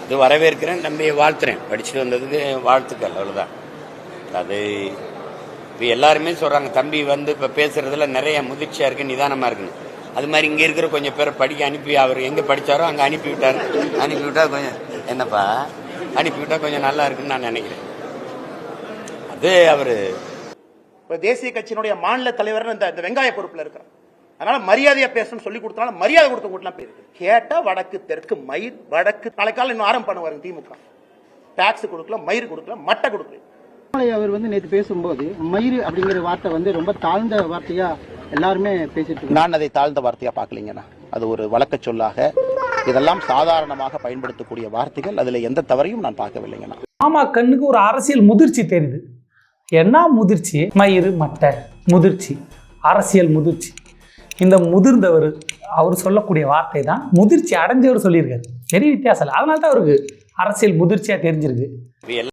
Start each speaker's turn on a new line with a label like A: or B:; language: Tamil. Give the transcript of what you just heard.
A: இது வரவேற்கிறேன், தம்பியை வாழ்த்துறேன். படிச்சுட்டு வந்ததுக்கு வாழ்த்துக்கள், அவ்வளோதான். அது இப்போ எல்லாருமே சொல்கிறாங்க, தம்பி வந்து இப்போ பேசுகிறதுல நிறைய முதிர்ச்சியாக இருக்குது, நிதானமாக இருக்குன்னு. அது மாதிரி இங்கே இருக்கிற கொஞ்சம் பேரை படிக்க அனுப்பி, அவர் எங்கே படித்தாரோ அங்கே அனுப்பிவிட்டார். அனுப்பிவிட்டா கொஞ்சம் என்னப்பா அனுப்பிவிட்டா கொஞ்சம் நல்லா இருக்குன்னு நான் நினைக்கிறேன். அது அவர்
B: இப்போ தேசிய கட்சியினுடைய மாநில தலைவர் இந்த வெங்காய பொறுப்பில் இருக்கிறார். அதனால மரியாதையா பேசணும்னு சொல்லி கொடுத்தனால மரியாதை கொடுத்தவங்கலாம் போயிருக்கு. கேட்டா வடக்கு தெற்கு மயிர் வடக்கு நாளைக்கால இன்னும் ஆரம்பம் பண்ணுவாருங்க திமுக. டாக்ஸ் கொடுக்கல, மயிர் கொடுக்கல, மட்டை கொடுக்கல.
C: அவர் வந்து நேற்று பேசும்போது மயிர் அப்படிங்கிற வார்த்தை வந்து ரொம்ப தாழ்ந்த வார்த்தையா எல்லாருமே பேசிட்டு.
D: நான் அதை தாழ்ந்த வார்த்தையா பார்க்கலீங்கண்ணா. அது ஒரு வழக்க சொல்லாக, இதெல்லாம் சாதாரணமாக பயன்படுத்தக்கூடிய வார்த்தைகள். அதுல எந்த தவறையும் நான் பார்க்கவில்லைங்கண்ணா.
E: ஆமா, கண்ணுக்கு ஒரு அரசியல் முதிர்ச்சி தெரியுது. என்ன முதிர்ச்சி? மயிறு மட்டை முதிர்ச்சி, அரசியல் முதிர்ச்சி. இந்த முதிர்ந்தவர் அவர் சொல்லக்கூடிய வார்த்தை தான் முதிர்ச்சி அடைஞ்சவர் சொல்லியிருக்காரு. பெரிய வித்தியாசம் இல்லை. அதனால தான் அவருக்கு அரசியல் முதிர்ச்சியா தெரிஞ்சிருக்கு.